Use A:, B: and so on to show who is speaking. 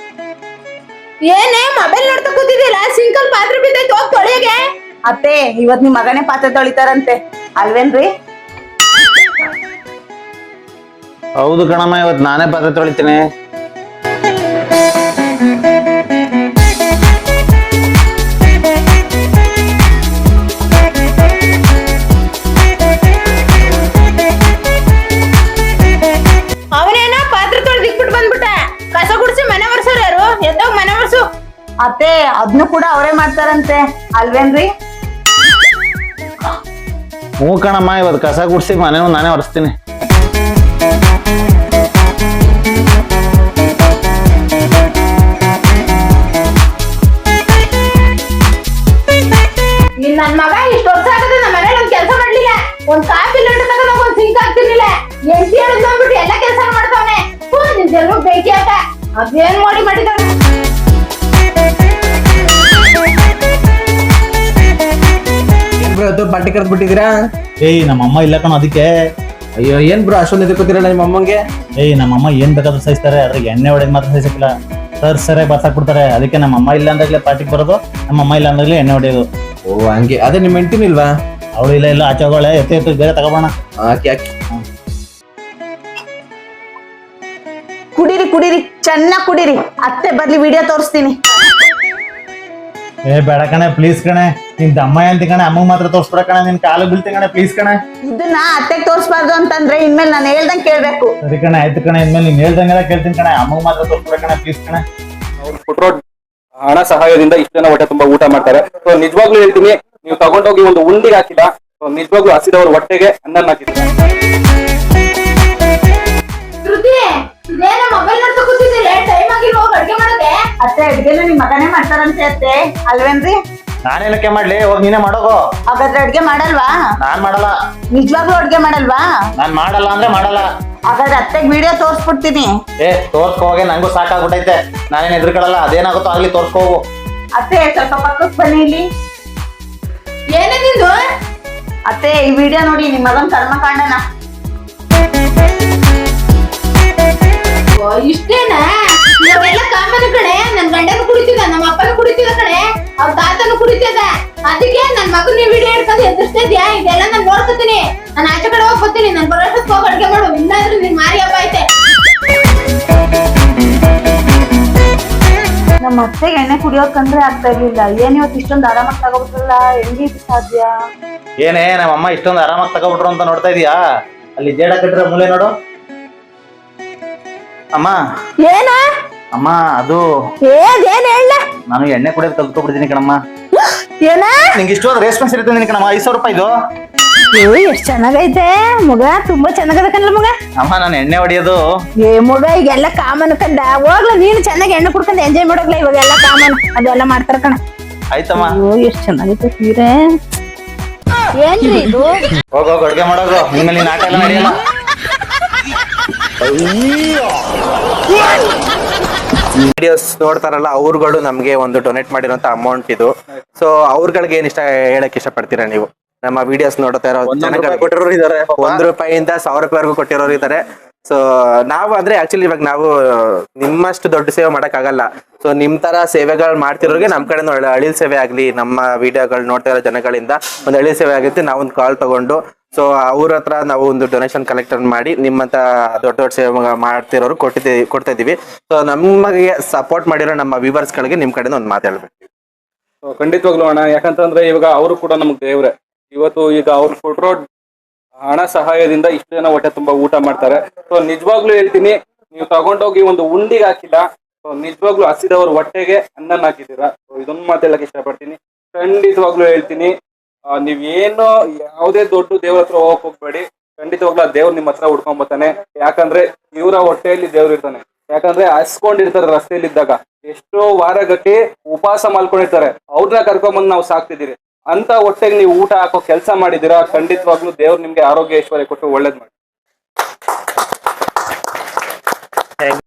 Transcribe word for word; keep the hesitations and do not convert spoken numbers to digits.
A: ಏನೇ ಮೊಬೈಲ್ ನೋಡ್ತಾ ಕೂತಿದ್ದೀರಾ? ಸಿಂಕಲ್ ಪಾತ್ರೆ ಬಿದ್ದೈತೆ, ಹೋಗ್ ತೊಳೆಯಗೆ.
B: ಅತ್ತೆ ಇವತ್ ನಿಮ್ ಮಗನೇ ಪಾತ್ರೆ ತೊಳಿತಾರಂತೆ ಅಲ್ವೇನ್ರಿ?
C: ಹೌದು ಕಣಮ್ಮ, ಇವತ್ತು ನಾನೇ ಪಾತ್ರೆ ತೊಳಿತೀನಿ.
A: ಅವನೇನ ಪಾತ್ರೆ ತೊಳೆದಿಕ್ಬಿಟ್ಟು ಬಂದ್ಬಿಟ್ಟ. ಕಸ ಗುಡಿಸಿ ಮನೆ ಒರ್ಸೋರು ಯಾರು? ಎದ್ದೋಗ್ ಮನೆ ಒರ್ಸು.
B: ಅತ್ತೆ ಅದ್ನು ಕೂಡ ಅವರೇ ಮಾಡ್ತಾರಂತೆ ಅಲ್ವೇನ್ರಿ?
C: ಹ್ಞೂ ಕಣಮ್ಮ, ಇವತ್ತು ಕಸ ಗುಡ್ಸಿ ಮನೇನು ನಾನೇ ಒರೆಸ್ತೀನಿ.
A: ನಿನ್ ನನ್ ಮಗ ಇಷ್ಟ ವರ್ಷ ಆಗದೆ ನಮ್ಮ ಮನೇಲಿ ಒಂದ್ ಕೆಲಸ ಮಾಡ್ಲಿಲ್ಲ. ಒಂದ್ ಕಾಫಿ ಲೋಟ ತಗೊಂಡ್ ಒಂದ್ ಸಿಂಕ್ ಹಾಕ್ತಿರ್ಲಿಲ್ಲ. ಎಂಟಿ ಹೇಳಿದ್ ಅಂದ್ಬಿಟ್ಟು ಎಲ್ಲ ಕೆಲಸ ಮಾಡ್ತಾವನೆ. ನಿನ್ ಜನ್ಮ ಬೇಕಿ ಆಟ ಅದೇನ್ ಮಾಡಿ ಮಾಡಿದವನೆ.
D: ಏನ್ ಬ್ರೋ ಇವತ್ತು ಪಾರ್ಟಿ ಕರೆದ್ ಬಿಟ್ಟಿದ್ದೀರಾ?
C: ಏಯ್ ನಮ್ಮಮ್ಮ ಇಲ್ಲ ಕಣ, ಅದಕ್ಕೆ.
D: ಅಯ್ಯೋ ಏನ್ ಬ್ರೋ ಅಷ್ಟೊಂದು ಎದಕ್ಕೋತಿರಲ್ಲ ನಿಮ್ಮ ಅಮ್ಮಂಗೆ?
C: ಏಯ್ ನಮ್ಮಮ್ಮ ಏನ್ ಬೇಕಾದ್ರೂ ಸಹಿಸ್ತಾರೆ, ಅದ್ರಾಗ ಎಣ್ಣೆ ಹೊಡೆದ್ ಮಾತ್ರ ಸಹಿಸಕ್ಕಿಲ್ಲ. ಸರ್ ಸರಿಯಾಗಿ ಬರ್ಸಾಕ್ ಬಿಡ್ತಾರೆ. ಅದಕ್ಕೆ ನಮ್ಮಮ್ಮ ಇಲ್ಲ ಅಂದಾಗ್ಲೇ ಪಾರ್ಟಿಗೆ ಬರೋದು, ನಮ್ಮಮ್ಮ ಇಲ್ಲ ಅಂದಾಗ್ಲೇ ಎಣ್ಣೆ ಹೊಡೆಯೋದು.
D: ಓ ಹಂಗೆ. ಅದೇ ನಿಮ್ಮ ಹೆಂಡತಿನ ಇಲ್ವಾ?
C: ಅವಳು ಇಲ್ಲ ಇಲ್ಲ ಆಚೆ ಹೋಗೋಳೆ. ಎತ್ತು ಎತ್ತು ಬೇರೆ ತಗೋಬೋಣ.
D: ಹಾಕಿ ಹಾಕಿ.
B: ಕುಡೀರಿ ಕುಡೀರಿ ಚೆನ್ನಾಗ್ ಕುಡೀರಿ. ಅತ್ತೆ ಬರ್ಲಿ ವಿಡಿಯೋ ತೋರಿಸ್ತೀನಿ.
C: ಏ ಬೇಡ ಕಣೆ, ಪ್ಲೀಸ್ ಕಣೆ. ನಿನ್ ದಮ್ಮ ಅಂತ ಕಣೆ, ಅಮ್ಮ ಮಾತ್ರ ತೋರ್ಸ್ಬಿಡ ಕಣೆ. ನಿನ್ ಕಾಲು ಬೀಳ್ತಿ ಕಣೆ, ಪ್ಲೀಸ್ ಕಣೆ.
B: ಇದನ್ನ ಅತ್ತೆಗ್ ತೋರ್ಸ್ಬಾರ್ದು ಅಂತಂದ್ರೆ ಇನ್ಮೇಲೆ ನಾನು ಹೇಳ್ದಂಗ್ ಕೇಳ್ಬೇಕು.
C: ಸರಿ ಕಣೆ, ಆಯ್ತು ಕಣೆ. ಇನ್ಮೇಲೆ ನೀನ್ ಹೇಳ್ದಂಗೆಲ್ಲ ಕೇಳ್ತೀನಿ ಕಣೆ. ಅಮ್ಮ ಮಾತ್ರ ತೋರ್ಸ್ಬಿಡ ಕಣೆ, ಪ್ಲೀಸ್ ಕಣೆ.
E: ಅವ್ರು ಕೊಟ್ಟಿರೋ ಹಣ ಸಹಾಯದಿಂದ ಇಷ್ಟು ಜನ ಹೊಟ್ಟೆ ತುಂಬಾ ಊಟ ಮಾಡ್ತಾರೆ. ಸೊ ನಿಜವಾಗ್ಲೂ ಹೇಳ್ತೀನಿ, ನೀವು ತಗೊಂಡೋಗಿ ಒಂದು ಉಂಡಿಗೆ ಹಾಕಿಲ್ಲ, ನಿಜವಾಗ್ಲೂ ಹಸಿದವ್ರ ಹೊಟ್ಟೆಗೆ ಅನ್ನ ಹಾಕಿಲ್ಲ.
A: ಶ್ರುತಿ, ಇದೇನ ಮೊಬೈಲ್ ನೋಡ್ತಾ ಕೂತಿದ್ದೀರಿ? ಟೈಮ್ ಆಗಿಲ್ಲ, ಹೋಗಿ ಅಡ್ಗೆ ಮಾಡೋದೆ.
B: ಅತ್ತೆ ಅಡ್ಗೆನ ನಿಮ್ ಮಗನೇ ಮಾಡ್ತಾರಂತೆ ಅತ್ತೆ ಅಲ್ವೇನ್ರಿ?
C: ನಾನೇನಕ್ಕೆ ಮಾಡ್ಲಿ, ಹೋಗಿ ನೀನೇ ಮಾಡೋಗೋ.
B: ಹಾಗಾದ್ರೆ ಅಡ್ಗೆ ಮಾಡಲ್ವಾ?
C: ನಾನ್ ಮಾಡಲ್ಲ.
B: ನಿಜವಾಗ್ಲೂ ಅಡ್ಗೆ ಮಾಡಲ್ವಾ?
C: ನಾನ್ ಮಾಡಲ್ಲ ಅಂದ್ರೆ ಮಾಡಲ್ಲ.
B: ಹಾಗಾದ್ರೆ ಅತ್ತೆಗ್ ವಿಡಿಯೋ ತೋರ್ಸ್ಬಿಡ್ತೀನಿ.
C: ಏ ತೋರ್ಸ್ಕೋ ಹೋಗಿ, ನಂಗೂ ಸಾಕಾಗ್ಬಿಟ್ಟೈತೆ. ನಾನೇನ್ ಎದ್ರುಕೊಳ್ಳಲ್ಲ. ಅದೇನಾಗುತ್ತೋ ಆಗ್ಲಿ, ತೋರ್ಸ್ಕೋ ಹೋಗು.
B: ಅತ್ತೆ ಸ್ವಲ್ಪ ಪಕ್ಕಕ್ಕೆ ಬನ್ನಿ ಇಲ್ಲಿ.
A: ಏನೇ ನಿಂದು?
B: ಅತ್ತೆ ಈ ವಿಡಿಯೋ ನೋಡಿ ನಿಮ್ ಮಗನ್ ಕರ್ಮಕಾಂಡನ.
A: ಇಷ್ಟೇನಾ? ಇವಾಗೆಲ್ಲ ಕಾಮನ್ ಕಡೆ. ನನ್ ಗಂಡನು ಕುಡಿತಿದ, ನಮ್ಮ ಅಪ್ಪನು ಕುಡಿತಿದ ಕಡೆ, ಅವ್ರ ತಾತನು ಕುಡಿತಿದ. ಅದಕ್ಕೆ ನನ್ ಮಗನ್ ನೀವ್ ವಿಡಿಯೋ ಹಿಡ್ಕೊಂಡು ಎದುರಿಸ್ತಾ ಇದ್ಯಾ? ಇದೆಲ್ಲ ನಾನ್ ನೋಡ್ಕೊತೀನಿ. ನಾನು ಆಚೆ ಕಡೆ ಹೋಗಿ ಬರ್ತೀನಿ. ನನ್ ಬರೋಷ್ಟಕ್ಕೆ ಹೋಗಿ ಅಡ್ಗೆ ಮಾಡು, ಇಲ್ಲಾಂದ್ರೆ ನಿನ್ ಮಾರಿ ಹಬ್ಬ ಐತೆ.
B: ನಮ್ಮ ಅತ್ತೆಗೆ ಎಣ್ಣೆ ಕುಡಿಯೋದ್ ಕಂಡ್ರೆ ಆಗ್ತಾ ಇರ್ಲಿಲ್ಲ. ಏನ್ ಇವತ್ತು ಇಷ್ಟೊಂದು ಆರಾಮಾಗಿ ತಗೋಬಿಟ್ರಲ್ಲ, ಹೆಂಗೆ ಇದು ಸಾಧ್ಯ?
C: ಏನೇ ನಮ್ಮ ಅಮ್ಮ ಇಷ್ಟೊಂದು ಆರಾಮಾಗಿ ತಗೋಬಿಟ್ರು ಅಂತ ನೋಡ್ತಾ ಇದೀಯಾ? ಅಲ್ಲಿ ಜೇಡ ಕಟ್ಟಿರೋ ಮೂಲೆ ನೋಡು. ಅಮ್ಮ
A: ಏನ
C: ಅಮ್ಮ ಅದು
A: ಏನ್ ಹೇಳ?
C: ನಾನು ಎಣ್ಣೆ ಕುಡಿಯೋದು ಕಲ್ತ್ಕೊಬಿಡ್ತೀನಿ ಕಣಮ್ಮ.
A: ಏನ
C: ನಿಂಗೆ ಇಷ್ಟೊಂದು ರೇಷ್ಮೆನ್ಸ್ ಇರುತ್ತೆ ಕಣಮ್ಮ. ಐದು ಸಾವಿರ ರೂಪಾಯಿ ಇದು.
A: ಎಷ್ಟ್ ಚೆನ್ನಾಗೈತೆ ಮಗ, ತುಂಬಾ ಚೆನ್ನಾಗದ ಕಣ್ಲ ಮಗ.
C: ಅಮ್ಮ ನಾನು ಎಣ್ಣೆ ಹೊಡಿಯೋದು.
A: ಏ ಮಗ, ಈಗೆಲ್ಲ ಕಾಮನ್ ಕಂಡ. ಹೋಗ್ಲ ನೀನು ಚೆನ್ನಾಗಿ ಎಣ್ಣೆ ಕುಡ್ಕೊಂಡು ಎಂಜಾಯ್ ಮಾಡೋಗ್ಲ. ಇವಾಗೆಲ್ಲ ಕಾಮನ್ ಅದೆಲ್ಲ ಮಾಡ್ತಾರ ಕಣ.
C: ಆಯ್ತಮ್ಮ.
A: ಅಯ್ಯೋ ಎಷ್ಟ್ ಚೆನ್ನಾಗೈತೆ ಸೀರೆ. ಏನ್ರಿ ಇದು?
C: ಹೋಗ ಹೋಗ ಅಡ್ಗೆ ಮಾಡೋದು. ನಿಮ್ಮಲ್ಲಿ ನೀನ್ ಆಟ ಎಲ್ಲ ನಡೆಯಲ್ಲ.
D: ವಿಡಿಯೋಸ್ ನೋಡ್ತಾರಲ್ಲ ಅವ್ರುಗಳು ನಮ್ಗೆ ಒಂದು ಡೊನೇಟ್ ಮಾಡಿರೋಂತ ಅಮೌಂಟ್ ಇದು. ಸೊ ಅವ್ರಗಳಿಗೆ ಏನ್ ಇಷ್ಟ ಹೇಳಕ್ ಇಷ್ಟ ಪಡ್ತೀರಾ ನೀವು? ನಮ್ಮ ವಿಡಿಯೋಸ್ ನೋಡ್ತಾ ಇರೋ
C: ಕೊಟ್ಟಿರೋರು ಇದಾರೆ.
D: ಒಂದ್ ರೂಪಾಯಿಯಿಂದ ಸಾವಿರ ರೂಪಾಯಿವರೆಗೂ ಕೊಟ್ಟಿರೋರು ಇದಾರೆ. ಸೊ ನಾವು ಅಂದ್ರೆ ಆಕ್ಚುಲಿ ಇವಾಗ ನಾವು ನಿಮ್ಮಷ್ಟು ದೊಡ್ಡ ಸೇವೆ ಮಾಡಕ್ ಆಗಲ್ಲ. ಸೊ ನಿಮ್ ತರ ಸೇವೆಗಳು ಮಾಡ್ತಿರೋರಿಗೆ ನಮ್ ಕಡೆ ಅಳಿಲ್ ಸೇವೆ ಆಗ್ಲಿ, ನಮ್ಮ ವಿಡಿಯೋಗಳು ನೋಡ್ತಾ ಇರೋ ಜನಗಳಿಂದ ಒಂದು ಅಳಿಲ್ ಸೇವೆ ಆಗುತ್ತೆ. ನಾವು ಒಂದು ಕಾಲ್ ತಗೊಂಡು ಸೊ ಅವ್ರ ಹತ್ರ ನಾವು ಒಂದು ಡೊನೇಷನ್ ಕಲೆಕ್ಟ್ ಮಾಡಿ ನಿಮ್ಮಂತ ದೊಡ್ಡ ದೊಡ್ಡ ಸೇವೆ ಮಾಡ್ತಿರೋರು ಕೊಟ್ಟಿದ್ದೀವಿ ಕೊಡ್ತಾ ಇದೀವಿ. ಸೊ ನಮಗೆ ಸಪೋರ್ಟ್ ಮಾಡಿರೋ ನಮ್ಮ ವ್ಯೂವರ್ಸ್ ಗಳಿಗೆ ನಿಮ್ ಕಡೆ ಒಂದು ಮಾತಾಡ್ಬೇಕು.
E: ಖಂಡಿತವಾಗ್ಲೂ ಅಣ್ಣ, ಯಾಕಂತಂದ್ರೆ ಇವಾಗ ಅವರು ಕೂಡ ನಮ್ಗೆ ದೇವ್ರೆ. ಇವತ್ತು ಈಗ ಅವ್ರು ಕೊಟ್ಟಿರೋ ಹಣ ಸಹಾಯದಿಂದ ಇಷ್ಟು ಜನ ಹೊಟ್ಟೆ ತುಂಬಾ ಊಟ ಮಾಡ್ತಾರೆ. ಸೊ ನಿಜವಾಗ್ಲೂ ಹೇಳ್ತೀನಿ, ನೀವು ತಗೊಂಡೋಗಿ ಒಂದು ಉಂಡಿಗೆ ಹಾಕಿಲ್ಲ, ಸೊ ನಿಜವಾಗ್ಲೂ ಹಸಿದವ್ರ ಹೊಟ್ಟೆಗೆ ಅನ್ನ ಹಾಕಿದ್ದೀರಾ. ಸೊ ಇದೊಂದು ಮಾತಾಡಕ್ ಇಷ್ಟಪಡ್ತೀನಿ. ಖಂಡಿತವಾಗ್ಲೂ ಹೇಳ್ತೀನಿ, ನೀವ್ ಏನು ಯಾವುದೇ ದೊಡ್ಡ ದೇವ್ರ ಹತ್ರ ಹೋಗಕ್ ಹೋಗ್ಬೇಡಿ. ಖಂಡಿತವಾಗ್ಲೂ ಆ ದೇವ್ರು ನಿಮ್ಮ ಹತ್ರ ಹುಡ್ಕೊಂಡ್ ಬರ್ತಾನೆ. ಯಾಕಂದ್ರೆ ಇವರ ಹೊಟ್ಟೆಯಲ್ಲಿ ದೇವ್ರು ಇರ್ತಾನೆ. ಯಾಕಂದ್ರೆ ಹಸ್ಕೊಂಡಿರ್ತಾರೆ ರಸ್ತೆಯಲ್ಲಿದ್ದಾಗ, ಎಷ್ಟೋ ವಾರಗಟ್ಟಿ ಉಪವಾಸ ಮಾಡ್ಕೊಂಡಿರ್ತಾರೆ. ಅವ್ರನ್ನ ಕರ್ಕೊಂಬಂದು ನಾವು ಸಾಕ್ತಿದ್ದೀರಿ. ಅಂತ ಹೊಟ್ಟೆಗೆ ನೀವು ಊಟ ಹಾಕೋ ಕೆಲಸ ಮಾಡಿದೀರಾ. ಖಂಡಿತವಾಗ್ಲೂ ದೇವ್ರು ನಿಮ್ಗೆ ಆರೋಗ್ಯ ಐಶ್ವರ್ಯ ಕೊಟ್ಟು ಒಳ್ಳೇದ್ ಮಾಡಿ.